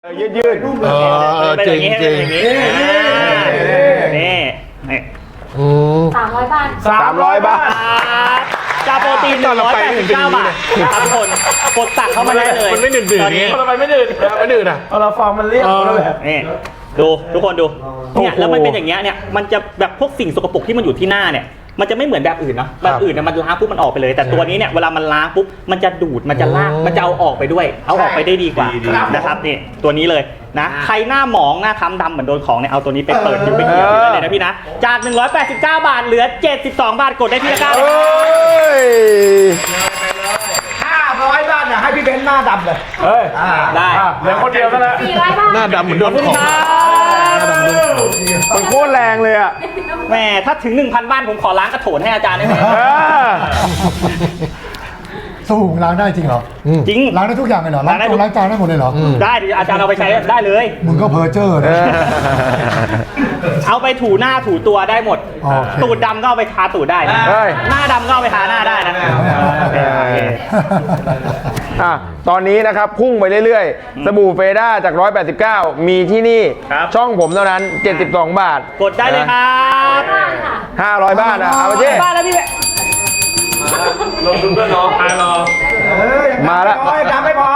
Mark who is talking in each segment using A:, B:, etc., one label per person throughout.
A: ยืด
B: จริง
C: นี่300 บาท
A: 300 บาท
D: จาโปรตีน189 บาทครับทุกคนกดตักเข้ามาได้เลย
B: มันไม่ดื่น
D: ตอนนี้
B: ทำไมไม่ดื่นอ่ะ
A: เราฟองมันเรียกแบบ
D: นี่ดูทุกคนดูเนี่ยแล้วมันเป็นอย่างเงี้ยเนี่ยมันจะแบบพวกสิ่งสกปรกที่มันอยู่ที่หน้าเนี่ยมันจะไม่เหมือนแบบอื่นเนาะแบบอื่นเนี่ยมันล้างปุ๊บมันออกไปเลยแต่ตัวนี้เนี่ยเวลามันล้างปุ๊บมันจะดูดมันจะลากมันจะเอาออกไปด้วยเอาออกไปได้ดีกว่านะครับนี่ตัวนี้เลยนะใครหน้าหมองหน้าค้ำดำเหมือนโดนของเนี่ยเอาตัวนี้ไปเปิดอยู่ไปเกี่ยวได้เลยนะพี่นะจาก189 บาทเหลือ72 บาทกดได้ที่ตะกร้าเลย
A: 500 บาทนะให้พี่เบนซ์หน้าดำเลย
D: ได้
B: เหลือคนเดียวก็แล้ว
C: 400 บาท
B: หน้าดำเหมือนโดนของ
A: มันโคตรแรงเลยอ่ะ
D: แม่ถ้าถึง 1,000 บ้านผมขอล้างกระโถนให้อาจารย์ได้ไหม
E: สู้ล้างได้จริงเหรอ
D: จริง
E: ล้างได้ทุกอย่างเลยเหรอล้างจานได้หมดเลยเหรอ
D: ได้เดี๋ยวอาจารย์เอาไปใช้ได้เลย
E: มึงก็เพอเจอร์นะ
D: เอาไปถูหน้าถูตัวได้หมดตูดดำก็เอาไปทาตูดได้นะหน้าดำก็เอาไปทาหน้าได้นะ
A: ตอนนี้นะครับพุ่งไปเรื่อยๆสบู่เฟด้าจาก189มีที่นี่ช่องผมเท่านั้น72 บาท
D: กดได้เลยครับ
A: 500 บาทเอาไปเจ๊
D: บ้านแล้วพี่
B: ลงทุนเพื่อนน้องตายรอ
A: มาแล้ว
B: ทำไม่พอ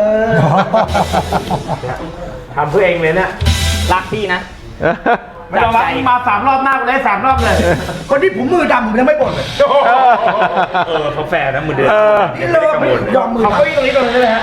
B: ทำเพื่อเองเลยเนี่ย
D: รักพี่นะ
B: ไม่ต้องรักมา3 รอบหน้าเลย3 รอบเลย
A: คนที่ผมมือดำผมยังไม่บ่นเลย
B: เขาแฝงนะมือเดือด
A: นี่เลยยอมมือเขาก็ตรงนี้เลยฮะ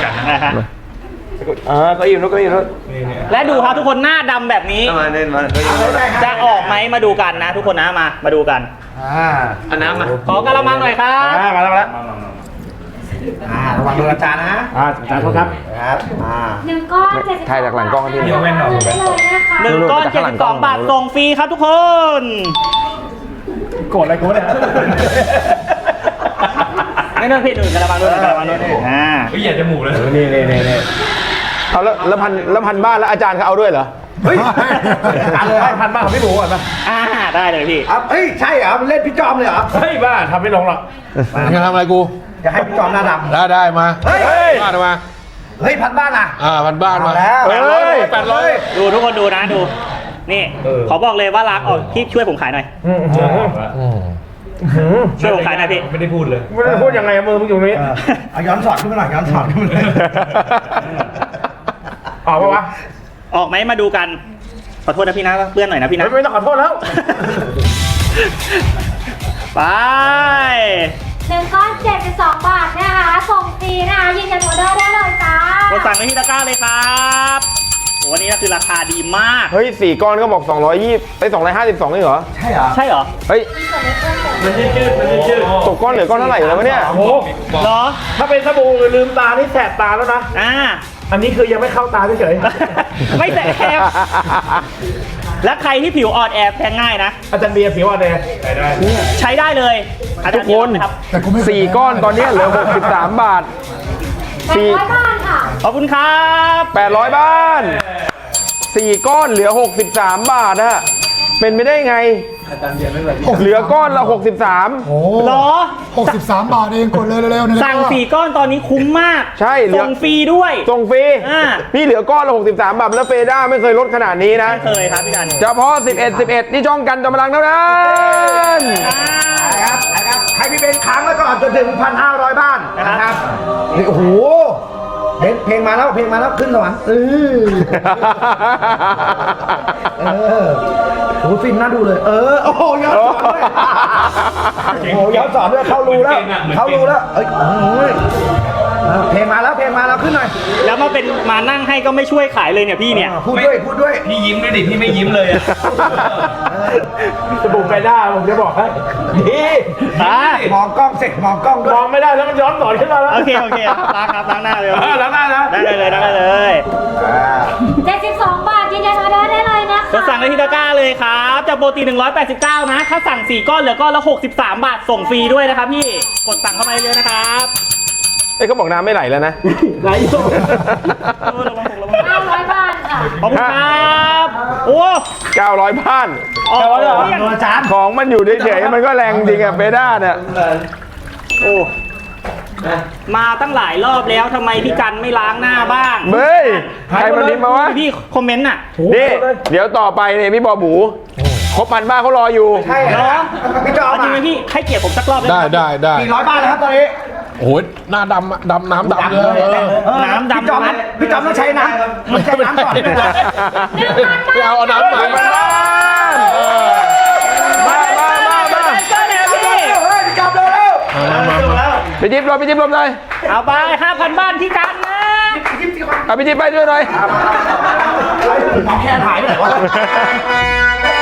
A: ก็อยู่นู้นก็อยู่นู้น
D: และดูครับทุกคนหน้าดำแบบนี้จะออกไหมมาดูกันนะ ทุกคนนะมาดูกัน
B: อันน้ำมา
D: ขอกระมังหน่อยครับ
A: มาแล้วระวังโดนอาจารย์นะ
B: อาจารย์ครับ
C: 1 ก้อน72
A: ถ่ายจากหลังกล้องที่นี่
C: ได้เลยนะคะ
D: 1 ก้อน72 บาทส่งฟรีครับทุกคน
A: โกรธอะไรกูเนี่ย
D: ไม่ต้องผิดกระมังด้วย
B: อยากจะหมูเลย
A: นี่เอาแล้วพันบ้านแล้วอาจารย์เขาเอาด้วยเหรอเฮ้ยอาเลยให้พันบ้านของพี่หมูก่อนป่ะ
D: ได้เลยพี่
A: เฮ้ยใช่เหรอมันเล่นพี่จอมเลยเหรอ
B: เฮ้ยบ้าทำไม่ลงหรอก
E: จะทำอะไรกู
A: จะให้พี่จอมหน้าดำ
E: ได้มา
A: เฮ้ย
E: บ้านมา
A: เฮ้ยพันบ้านอ่ะ
E: พันบ้านมา
A: แล้ว800
D: ดูทุกคนดูนะดูนี่ขอบอกเลยว่าล้างออกพี่ช่วยผมขายหน่อยช่วยผมขายหน่อยพี่
B: ไม่ได้พูดเลย
A: ไม่ได้พูดยังไงมือมึงอยู่นี้เอาย้อนสอดขึ้นมาหน่อยย้อนสอดขึ้นมาเลยออกปะวะ
D: ออกไหมมาดูกันขอโทษนะพี่นะเพื่อนหน่อยนะพี่นะ
A: ไม่ต้องขอโทษแล้ว
D: ไป
C: 1 ก้อน72 บาทนะคะส่งฟรีนะคะยืนยันออเดอร์ได้เลยจ้าก
D: ดสั่งไปที่ตะกร้าเลยครับวันนี้ก็คือราคาดีมาก
A: เฮ้ย4 ก้อนก็บอก220ไอ้252นี่เหรอใช่เหรอเฮ้ย
B: มันยืด
A: ตกก้อนเหลือก้อนเท่าไหร่แล้ววะเนี่ย
B: โอ้โห
D: เหรอ
A: ถ้าเป็นสบู่ลืมตานี่แสบตาแล้วนะอันนี้คือยังไม่เข้าตาเฉย
D: ๆไม่แสบและใครที่ผิวอ่อนแอแพ้ง่ายนะ
A: อาจารย์เบียร์ผิวอ่อนแอ
D: ใช้ได้เลย
A: ทุกคน4 ก้อนตอนนี้เหลือ63 บาท
C: 800 บาทค่ะ
D: ขอบคุณครับ
A: 800 บ้าน4 ก้อนเหลือ63 บาทนะเป็นไม่ได้ไงเหลือก้อนละ63
E: โอ้
D: หรอ
E: 63 บาทเองกดเลยเร็วๆ
D: สั่ง4 ก้อนตอนนี้คุ้มมาก
A: ใช่
D: ส่งฟรีด้วย
A: ส่งฟรีนี่เหลือก้อนละ63 บาทแล้วเฟด้าไม่เคยลดขนาดนี้นะ
D: ไม่เคยครับพี่กัน
A: เฉพาะ11นี่ช่องกันจอมพลังเท่านั้นครับให้พี่เบนค้างแล้วก่อนจนถึง 1,500 บ้านนะครับนี่โอ้โหเพลงมาแล้วขึ้นสวรรค์โอ้ฟินน่าดูเลยโอ้โหย้อนสอนด้วยย้อนสอนด้วยเข้ารูแล้วเพลงมาแล้วขึ้นหน่อย
D: แล้วมานั่งให้ก็ไม่ช่วยขายเลยเนี่ยพี่เนี่ย
A: พูดด้วย
B: พี่ยิ้มด้วยดิพี่ไม่ยิ้มเลย
A: สบู่ไปได้ผมจะบอกให้ดีมองกล้องเสร็จมองกล้องด้วยมองไม่ได้แล้วมันย้อนสอนขึ้นมาแล้ว
D: โอเคล้างหน้าเลย
A: ล้างหน้านะ
D: ได้เลย
C: 72 บาทยืนยันออเดอร์ได้เลยนะคะ
D: กดสั่งในที่ตะกร้าเลยครับจากโปรตีน189นะถ้าสั่ง4 ก้อนเหลือก้อนละ63 บาทส่งฟรีด้วยนะครับพี่กดสั่งเข้ามาเยอะนะครับ
A: เขาบอกน้ำไม่ไหลแล้วนะ
C: ไหลอยู่900 บาทค่ะ
D: ขอบคุณครับโอ้
A: 900 บ้านของมันอยู่เฉยๆมันก็แรงจริงอะเฟด้าเนี่ย
D: โอ้มาตั้งหลายรอบแล้วทำไมพี่กันไม่ล้างหน้าบ้าง
F: เฮ้ยใครมันพิมพ์มาวะ
D: พี่คอมเมนต์น่ะ
F: นี่เดี๋ยวต่อไปเนี่ยพี่บอหมูครบ1,000 บ้านเขารออยู่
A: ใช่เหรอพี่จอม
D: เอาจริงไหมพี่ให้เกียรติผมสักรอบได้ไหม
E: ได้
A: กี่ร้อยบ้านแล้วครับตอนนี้
E: โอ้ยหน้าดำอะดำน้ำดำเลย
D: น้ำดำ
A: พี่จอมพี่จอมต้องใช้น้ำมันใช้น้ำก่อน
E: ไม่เอาน้ำใหม่
F: 1,000 บ้านมา
D: เจอแล้วพี่
A: เฮ้ยพี่จอมเร็ว
F: ไปจิ๊บรอไปจิ๊บรอเลย
D: เอาไป 5,000 บ้านที่กันนะ
F: เอาไปจิ๊บไปด้วยหน่อย
A: เอาแค่ถ่ายไปไหนวะ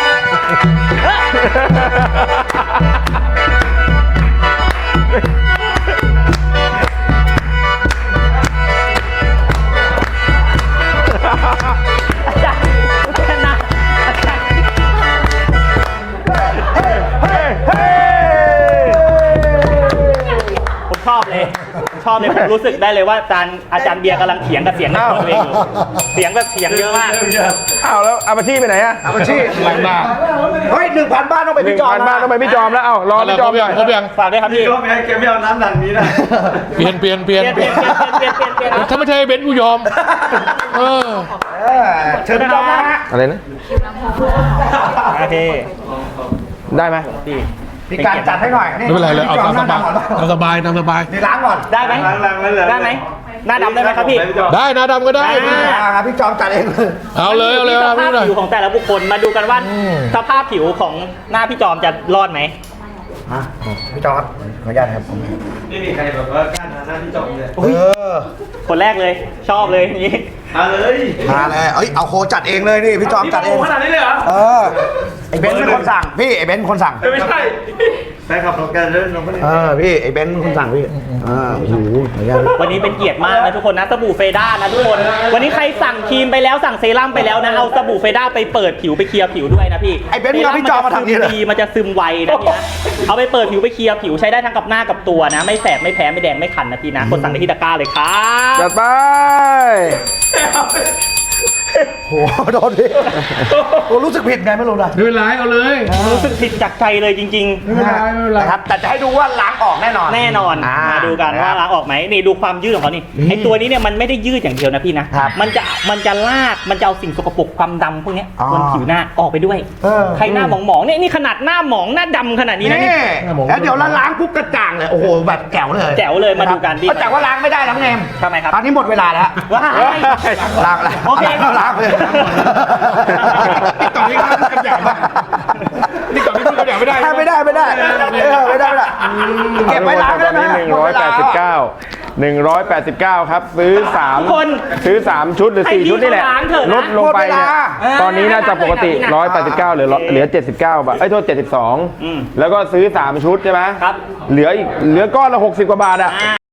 D: ผมชอบเลยผมรู้สึกได้เลยว่าอาจารย์เบียร์กำลังเถียงกับเสียงในตัวเองอยู่เสียงแบบเสียงเยอะมาก
F: อ้าวแล้วอาปาชีไปไหนอะ
A: เอามาชี้
E: หลังหน้า
A: เฮ้ย 1,000 บ้านต้องไปพี่จอม
F: 1,000 บ้านต้องไปพี่จอมแล้วเอ้ารอพี่จอมหน่อย
E: ครบยัง
D: ฝากด้วยครับพี่
B: ก็ไม่ให้แกไม่เอาน้ำดังนี้นะ
E: เปลี่ยน
D: เปลี่ยน
E: ถ้าไม่ใช่เบนซ์กูยอม
A: เชิญพี่จอมนะฮะ
F: อะไรนะ
D: โอเค
F: ได้ไหม
D: ดี
A: พี่การจัดให้หน่อย
E: ไม่เป็นไรเลยเอาตามสบายตามสบาย
A: นี่ล้างก่อน
D: ได้ไหม
B: ล้างแล้วเลย
D: ได้ไหมหน้าดำได้ไหมครับพี่
E: ได้นะดำก็ได้
A: พี่จอมจัดเอง
E: เอาเลย
D: ส
E: เอา
D: ภาพ
E: หน่อย
D: ผิวของแต่ละบุคคลมาดูกันว่าสภาพผิวของหน้าพี่จอมจะรอดไหม
A: พี่จอมครับขออนุญาตครับ
B: ไม่มีใครแบบว่ากล้าทานหน้าที่จบเลย
D: คนแรกเลยชอบเลยอย่างนี้
B: มาเลย
A: มาเลยเอาโคจัดเองเลยนี่พี่จอมจัดเอง
B: ขนาดนี้เลยเหรอ
A: ไอ้เบนซ์เป็นคนสั่งพี่ไอ้เบนซ์เป็นคนสั่ง
B: ไม่ใช่แฟนขับของการเล่นน้องคนนี้
A: พี่ไอ้เบนซ์เป็นคนสั่งพี่โอ้โหขออนุญาต
D: วันนี้เป็นเกียรติมากนะทุกคนนะสบู่เฟด้านะทุกคน วันนี้ใครสั่งครีมไปแล้วสั่งเซรั่มไปแล้วนะเอาสบู่เฟด้าไปเปิดผิวไปเคลียร์ผิวด้วยนะพี่
A: ไอ้เบนซ์มึงเอาพี่จอมมาทำนี่เลย
D: มันจะซึมไวนะพี่นะเอาไปเปิดผิวไปเคลียร์ผิวใช้ได้ทั้งกับหน้ากับตัวนะ ไม่แสบไม่แพ้ไม่แดงไม่คันนะพี่นะกดสั่งได้ที่ตะกร้าเลยครับ
F: จัดไป
A: โหโดนพี่ผมรู้สึกผิดไงไม่รู้นะ
E: ไม่เป็นไรเอาเลย
D: รู้สึกผิดจากใจเลยจริง
E: ไม่เป็นไร
A: นะครับแต่จะให้ดูว่าล้างออกแน่นอน
D: ๆ แน่นอนมาดูกันว่าล้างออกไหมนี่ดูความยืดของเขานี่ไอตัวนี้เนี่ยมันไม่ได้ยืดอย่างเดียวนะพี่นะครับ มันจะลากมันจะเอาสิ่งสกปรกความดำพวกเนี้ยบนผิวหน้าออกไปด้วยใครหน้าหมองๆเนี่ยนี่ขนาดหน้าหมองหน้าดำขนาดนี้นะนี่
A: แล้วเดี๋ยวล้างปุ๊บกระจ่างเลยโอ้โหแบบแจ๋วเลย
D: แจ๋วเลยมาดูกันดิ
A: แต่ว่าล้างไม่ได้แล้วเนม
D: ทำไมครับ
A: ตอนนี้หมดเวลาแล้ว
D: ว้าย
A: ล้างแล้ว
D: โอเค
A: ล้างเลย
E: ต่อนี้ก็กันใหญ่มากนี่ต่อนี้กันใหญ่ไม่ได้
A: ไม่ได้ไม่ได้เก็บไว้ล้าง
F: ต
A: ได้
F: อน
A: ไหม
F: นี้189ครับซื้อ
D: ทุกคน
F: 3ชุดหรือ4ชุดนี่แหละ
D: ให้พี่เขาล้างเถอะนะ
F: ลดลงไปเนี่ย
A: หมดเวลา
F: ตอนนี้น่าจะปกติ
D: ให้ล้างเลยครับ
F: 189เหลือ79บาทโทษ
D: อืม
F: 72แล้วก็ซื้อ3ชุดใช่ไหม
D: ครับ
F: เหลือก้อนละ60 กว่าบาทอ่ะ